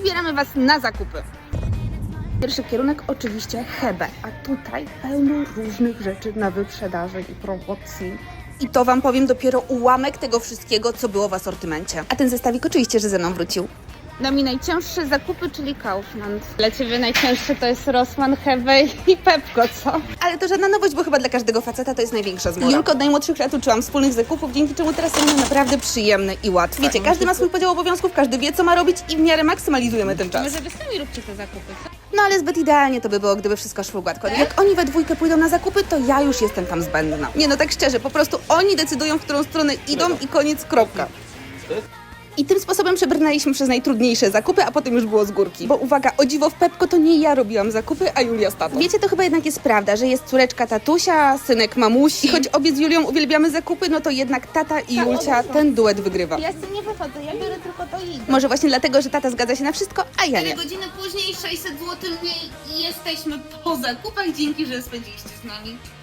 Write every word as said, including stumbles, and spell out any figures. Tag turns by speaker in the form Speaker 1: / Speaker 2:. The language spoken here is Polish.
Speaker 1: wybieramy Was na zakupy. Pierwszy kierunek oczywiście Hebe, a tutaj pełno różnych rzeczy na wyprzedaży i promocji. I to Wam powiem dopiero ułamek tego wszystkiego, co było w asortymencie. A ten zestawik oczywiście, że ze mną wrócił. No mi najcięższe zakupy, czyli Kaufland.
Speaker 2: Dla Ciebie najcięższe to jest Rossmann, Hebe i Pepco, co?
Speaker 1: Ale to żadna nowość, bo chyba dla każdego faceta to jest największa zmora. Julko od najmłodszych lat uczyłam wspólnych zakupów, dzięki czemu teraz są one naprawdę przyjemne i łatwe. Wiecie, każdy ma swój podział obowiązków, każdy wie, co ma robić i w miarę maksymalizujemy ten czas.
Speaker 2: Może Wy sami róbcie te zakupy, co?
Speaker 1: No ale zbyt idealnie to by było, gdyby wszystko szło gładko. Jak oni we dwójkę pójdą na zakupy, to ja już jestem tam zbędna. Nie no, tak szczerze, po prostu oni decydują, w którą stronę idą i koniec, kropka. I tym sposobem przebrnęliśmy przez najtrudniejsze zakupy, a potem już było z górki. Bo uwaga, o dziwo w Pepco to nie ja robiłam zakupy, a Julia z tatą. Wiecie, to chyba jednak jest prawda, że jest córeczka tatusia, synek mamusi. I choć obie z Julią uwielbiamy zakupy, no to jednak tata i Julcia ten duet wygrywa.
Speaker 2: Ja z tym nie wychodzę, ja biorę tylko to i idę.
Speaker 1: Może właśnie dlatego, że tata zgadza się na wszystko, a ja nie.
Speaker 3: Godziny później sześćset złotych mniej i jesteśmy po zakupach. Dzięki, że spędziliście z nami.